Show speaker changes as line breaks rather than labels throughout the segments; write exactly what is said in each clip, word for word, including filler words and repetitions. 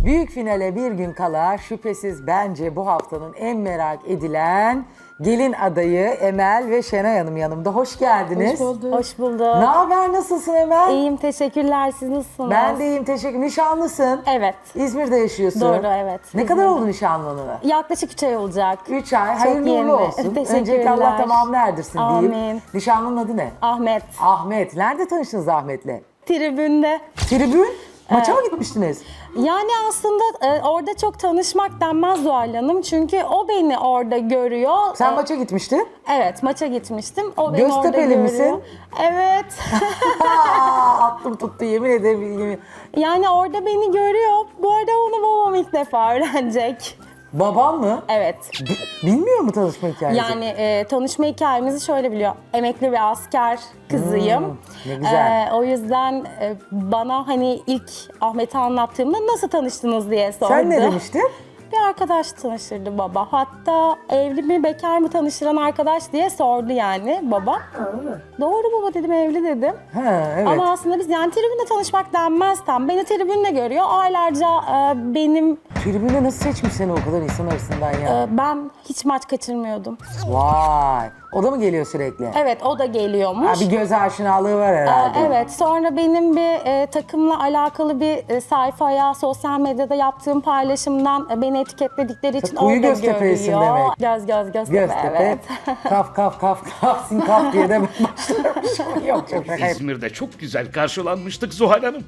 Büyük finale bir gün kala şüphesiz bence bu haftanın en merak edilen gelin adayı Emel ve Şenay Hanım yanımda. Hoş geldiniz.
Hoş bulduk.
Hoş bulduk.
Ne haber, nasılsın Emel?
İyiyim, teşekkürler. Siz nasılsınız?
Ben de iyiyim, teşekkür. Nişanlısın.
Evet.
İzmir'de yaşıyorsun.
Doğru, evet.
Ne
İzmir'de.
kadar oldu nişanlanalı?
Yaklaşık üç ay olacak.
Üç ay.
Çok
Hayırlı uğurlu
yeni.
olsun.
Teşekkürler.
Öncelikle Allah tamamını erdirsin diyeyim.
Amin.
Nişanlının adı ne?
Ahmet.
Ahmet. Nerede tanıştınız Ahmet'le?
Tribünde.
Tribün. Maça mı gitmiştiniz?
Yani aslında e, orada çok tanışmak denmez Zuhal Hanım. Çünkü o beni orada görüyor.
Sen
E,
maça gitmiştin.
Evet, maça gitmiştim. O beni orada
Göztepe'li
görüyor.
misin?
Evet.
Aa, aklım tuttu, yemin ederim. Yemin.
Yani orada beni görüyor. Bu arada onu babam ilk defa öğrenecek.
Baban mı?
Evet.
B- bilmiyor mu tanışma hikayenizi?
Yani e, tanışma hikayemizi şöyle biliyor. Emekli bir asker kızıyım.
Hmm, ne güzel.
E, o yüzden e, bana hani ilk Ahmet'i anlattığımda nasıl tanıştınız diye sordu.
Sen ne demiştin?
Bir arkadaş tanıştırdı baba. Hatta evli mi bekar mı tanıştıran arkadaş diye sordu yani baba. Doğru baba dedim, evli dedim.
Ha, evet.
Ama aslında biz yani tribünde tanışmak denmez tam. Beni tribünde görüyor. Aylarca e, benim...
Tribüne nasıl seçmiş seni o kadar insan arasından ya?
e, ben hiç maç kaçırmıyordum.
Vay. O da mı geliyor sürekli?
Evet, o da geliyormuş.
Ha, bir göz aşinalığı var
Ee,
herhalde.
Evet, sonra benim bir e, takımla alakalı bir e, sayfaya sosyal medyada yaptığım paylaşımdan e, beni etiketledikleri için
Kuyu
orada
Göztepe'lisin
görüyor.
demek.
Göz göz Göztepe,
Göztepe,
evet.
kaf kaf kaf kaf sin kaf diye de başlarmış. Yok çok şaka.
İzmir'de çok güzel karşılanmıştık Zuhal Hanım.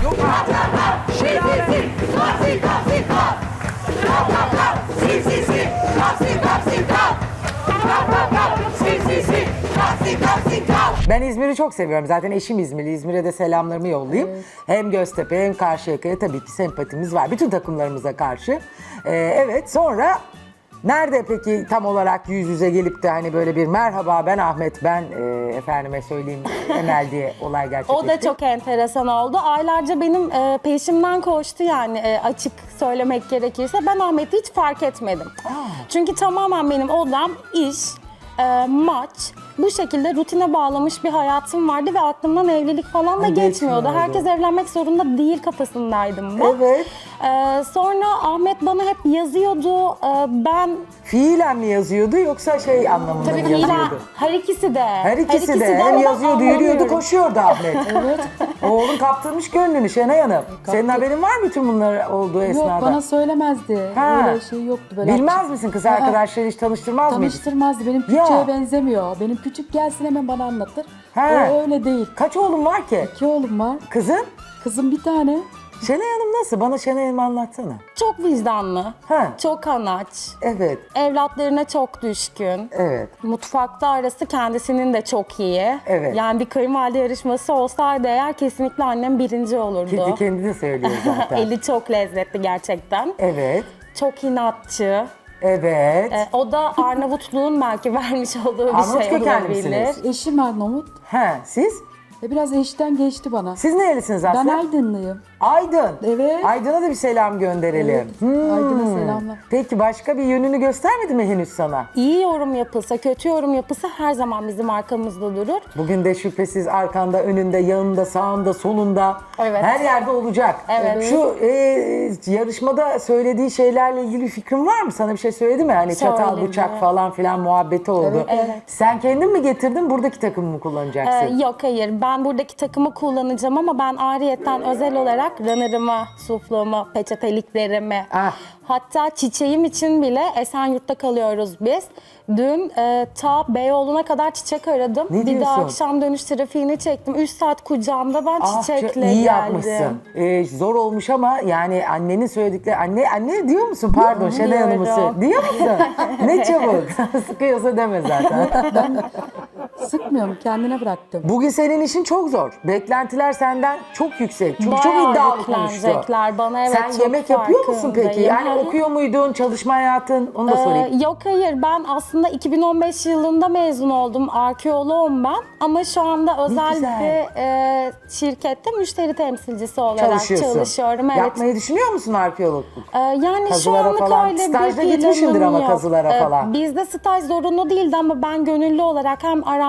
Ben İzmir'i çok seviyorum. Zaten eşim İzmirli. İzmir'e de selamlarımı yollayayım. Hem Göztepe hem Karşıyaka'ya tabii ki sempatimiz var. Bütün takımlarımıza karşı. Ee, evet, sonra nerede peki tam olarak yüz yüze gelip de hani böyle bir merhaba ben Ahmet, ben e, efendime söyleyeyim Emel diye olay gerçekleşti?
O da çok enteresan oldu. Aylarca benim e, peşimden koştu yani e, açık söylemek gerekirse. Ben Ahmet'i hiç fark etmedim. Çünkü tamamen benim odam, iş, e, maç, bu şekilde rutine bağlamış bir hayatım vardı ve aklımdan evlilik falan da
Ha,
geçmiyordu.
geçmiyordu.
Herkes evlenmek zorunda değil kafasındaydım ben.
Evet.
E, sonra Ahmet bana hep yazıyordu. E, ben
Fiilen mi yazıyordu yoksa şey anlamında
tabii
mı
ki
yazıyordu?
her ikisi de.
Her ikisi, de hem
ama
yazıyordu, yürüyordu,
anlamıyorum.
koşuyordu Ahmet. Evet. Oğlun kaptırmış gönlünü Şenay Hanım. Senin haberin var mı bütün bunlar olduğu esnada?
Yok, bana söylemezdi.
Ha.
Öyle şey yoktu. Böyle
Bilmez
açık-
misin kız
Aa,
arkadaşları hiç tanıştırmaz mıydı?
Tanıştırmazdı. Benim
Ya.
küçüğe benzemiyor. Benim küçük gelsin hemen bana anlatır.
Ha.
O öyle değil.
Kaç oğlun var ki?
İki oğlum var.
Kızın?
Kızım bir tane.
Şenay Hanım nasıl? Bana Şenay Hanım'ı anlatsana.
Çok vicdanlı,
Ha.
çok anaç,
Evet,
evlatlarına çok düşkün.
evet.
Mutfakta arası kendisinin de çok iyi.
Evet.
Yani bir kayınvalide yarışması olsaydı eğer kesinlikle annem birinci olurdu.
Kendi kendi de söylüyor zaten.
Eli çok lezzetli gerçekten.
Evet,
Çok inatçı.
evet.
Ee, o da Arnavutluğun belki vermiş olduğu bir
Arnavut
şey
kökenli
olabilir.
misiniz?
Eşim Arnavut.
Ha, siz?
Ve biraz eşten geçti bana.
Siz nerelisiniz
Ben
aslında?
Aydınlıyım.
Aydın.
Evet.
Aydın'a da bir selam gönderelim.
Evet.
Hmm.
Aydın'a selamlar.
Peki başka bir yönünü göstermedi mi henüz sana?
İyi yorum yapılsa, kötü yorum yapılsa her zaman bizim arkamızda durur.
Bugün de şüphesiz arkanda, önünde, yanında, sağında, solunda,
Evet.
her yerde olacak.
Evet.
Şu e, yarışmada söylediği şeylerle ilgili bir fikrin var mı? Sana bir şey söyledi mi? Hani çatal,
Söyledi.
bıçak falan filan muhabbeti oldu.
Evet, evet.
Sen kendin mi getirdin, buradaki takımı mı kullanacaksın?
Ee, yok hayır, ben buradaki takımı kullanacağım ama ben ayrıyetten özel olarak runner'ımı, sufluğumu, peçeteliklerimi,
Ah.
hatta çiçeğim için bile Esenyurt'ta kalıyoruz biz. Dün e, ta Beyoğlu'na kadar çiçek aradım.
Ne
bir de
diyorsun?
akşam dönüş trafiğini çektim. üç saat kucağımda ben
Ah,
çiçekle
çok iyi
geldim.
yapmışsın. Ee, zor olmuş ama yani annenin söyledikleri... Anne anne diyor musun? Pardon Şenay Hanım'ı
Diyorum.
söyle. Diyor musun? Ne çabuk. Sıkıyorsa deme zaten.
Sıkmıyorum. Kendine bıraktım.
Bugün senin işin çok zor. Beklentiler senden çok yüksek. Çünkü
Bayağı
çok iddialı konuştu.
yüklenecekler bana, evet,
Sen
çok
yemek yapıyor musun peki?
farkındayım.
Yani
Hı hı.
okuyor muydun? Çalışma hayatın? Onu da
Ee,
sorayım.
yok hayır, ben aslında iki bin on beş yılında mezun oldum. Arkeoloğum ben. Ama şu anda özel
güzel.
bir e, şirkette müşteri temsilcisi olarak
Çalışıyorsun.
çalışıyorum. Evet.
Yapmayı düşünüyor musun arkeologluk?
Ee, yani şu
Kazılara
anlık
falan.
öyle
Stajda
bir
gitmişsindir
planım
ama
yok.
kazılara
Ee,
falan.
Bizde staj zorunlu değildi ama ben gönüllü olarak hem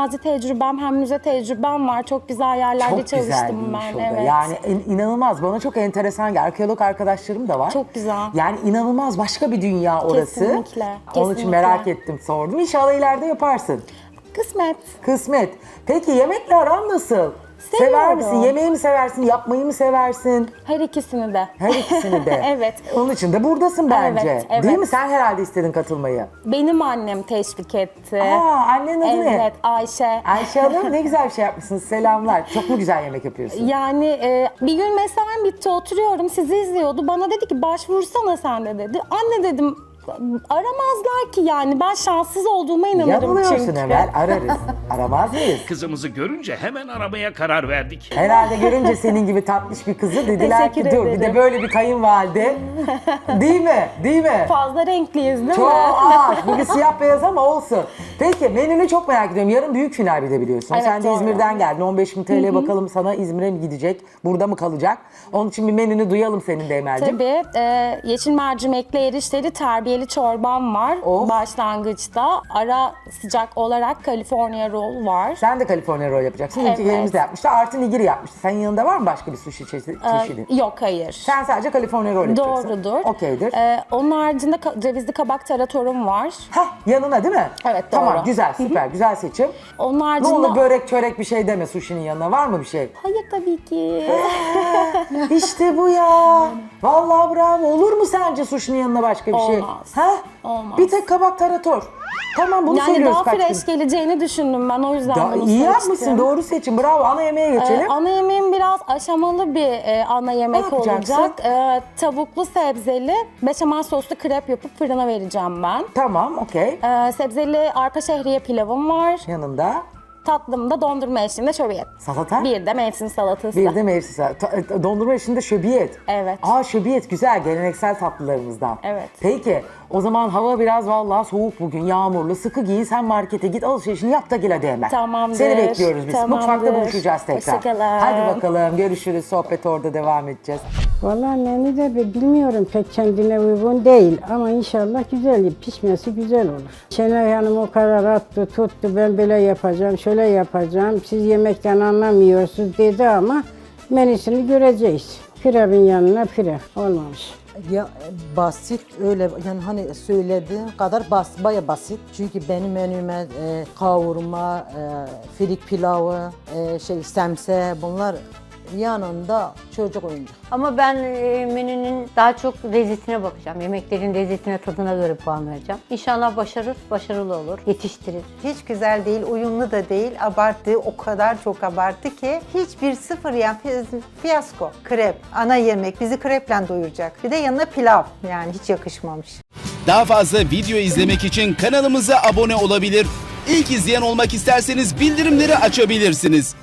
gazi tecrübem hem müze tecrübem var. Çok güzel yerlerde
Çok güzel
çalıştım
bir iş
ben.
o da.
Evet.
Yani in- inanılmaz. Bana çok enteresan geldi. Arkeolog arkadaşlarım da var.
Çok güzel.
Yani inanılmaz başka bir dünya orası.
Kesinlikle,
Onun için
kesinlikle.
merak ettim, sordum. İnşallah ileride yaparsın.
Kısmet.
Kısmet. Peki yemekle aran nasıl? Sever
Seviyorum.
misin? Yemeği mi seversin? Yapmayı mı seversin?
Her ikisini de.
Her ikisini de.
Evet.
Onun için de buradasın bence.
Evet, evet.
Değil mi? Sen herhalde istedin katılmayı.
Benim annem teşvik etti.
Aa, annenin adı ne?
Evet, Ayşe.
Ayşe Hanım, ne güzel bir şey yapmışsınız. Selamlar. Çok mu güzel yemek yapıyorsun?
Yani e, bir gün mesaim bitti, oturuyorum, sizi izliyordu. Bana dedi ki başvursana sen de dedi. Anne dedim, aramazlar ki yani. Ben şanssız olduğuma inanırım
Yanılıyorsun
çünkü.
Emel. Ararız. Aramaz mıyız?
Kızımızı görünce hemen aramaya karar verdik.
Herhalde görünce senin gibi tatlış bir kızı dediler ki
Teşekkür
dur bir de
ederim.
böyle bir kayınvalide. Değil mi? Değil mi?
Fazla renkliyiz değil
Çok
mi?
ağır. Bugün siyah beyaz ama olsun. Peki menünü çok merak ediyorum. Yarın büyük final bir de biliyorsun.
Evet,
Sen de
doğru.
İzmir'den geldin. on beş bin T L bakalım sana İzmir'e mi gidecek? Burada mı kalacak? Onun için bir menünü duyalım senin de Emel'cim.
Tabii. e, yeşil mercimekli erişteli terbiyeli çorbam var
Of.
başlangıçta. Ara sıcak olarak California roll var.
Sen de California roll yapacaksın.
Evet.
İlkilerimiz de yapmıştı. Artı nigiri yapmıştı. Senin yanında var mı başka bir sushi çeşidi? çeşidi?
Ee, yok hayır.
Sen sadece California roll yapacaksın.
Doğrudur.
Okeydir.
Ee, onun haricinde ka- cevizli kabak taratorum var.
Hah yanına değil mi?
Evet,
Tamam
doğru.
güzel süper güzel seçim.
Onun
Ne
haricinde...
olur börek çörek bir şey deme sushi'nin yanına, var mı bir şey?
Hayır tabii ki.
İşte bu ya. Vallahi bravo. Olur mu sence sushi'nin yanına başka bir şey?
Olmaz.
Ha?
Olmaz.
Bir tek kabak tarator. Tamam bunu
Yani
söylüyoruz
daha
kaç
fresh
gün.
geleceğini düşündüm ben, o yüzden
Da,
bunu
iyi
seçtim.
yapmışsın, doğru seçim. Bravo. Ana yemeğe geçelim.
Ee, ana yemeğim biraz aşamalı bir e, ana yemek
yapacaksın?
olacak. Ee, tavuklu sebzeli beşamel soslu krep yapıp fırına vereceğim ben.
Tamam, okey.
Ee, sebzeli arpa şehriye pilavım var.
Yanında
Tatlımda dondurma eşliğinde şöbiyet.
salata.
Bir de mevsim salatası.
Bir de mevsim salatası. Ta- Dondurma içinde şöbiyet.
Evet.
Aa şöbiyet güzel, geleneksel tatlılarımızdan.
Evet.
Peki o zaman hava biraz vallahi soğuk bugün, yağmurlu. Sıkı giyin, sen markete git, alışverişini yap da gel hadi hemen.
Tamamdır.
Seni bekliyoruz biz.
Tamamdır.
Mutfakta buluşacağız tekrar.
Hoşça kalın.
Hadi bakalım, görüşürüz. Sohbet orada devam edeceğiz.
Vallahi menü de bi- bilmiyorum, pek kendine uygun değil ama inşallah güzel, pişmesi güzel olur. Şenay Hanım o kadar attı tuttu, ben böyle yapacağım, şöyle yapacağım, siz yemekten anlamıyorsunuz dedi ama menüsünü göreceğiz. Pilavın yanına pilav olmamış.
Ya e, basit öyle yani hani söylediğin kadar bas, baya basit. Çünkü benim menüme e, kavurma, e, firik pilavı, e, şey semse bunlar yanında çocuk oyuncak.
Ama ben e, menünün daha çok lezzetine bakacağım. Yemeklerin lezzetine, tadına göre puan vereceğim. İnşallah başarır, başarılı olur, yetiştirir.
Hiç güzel değil, uyumlu da değil. Abarttığı o kadar çok abarttı ki hiçbir sıfır yani fi- fiyasko. Krep, ana yemek bizi kreple doyuracak. Bir de yanına pilav, yani hiç yakışmamış.
Daha fazla video izlemek için kanalımıza abone olabilir. İlk izleyen olmak isterseniz bildirimleri açabilirsiniz.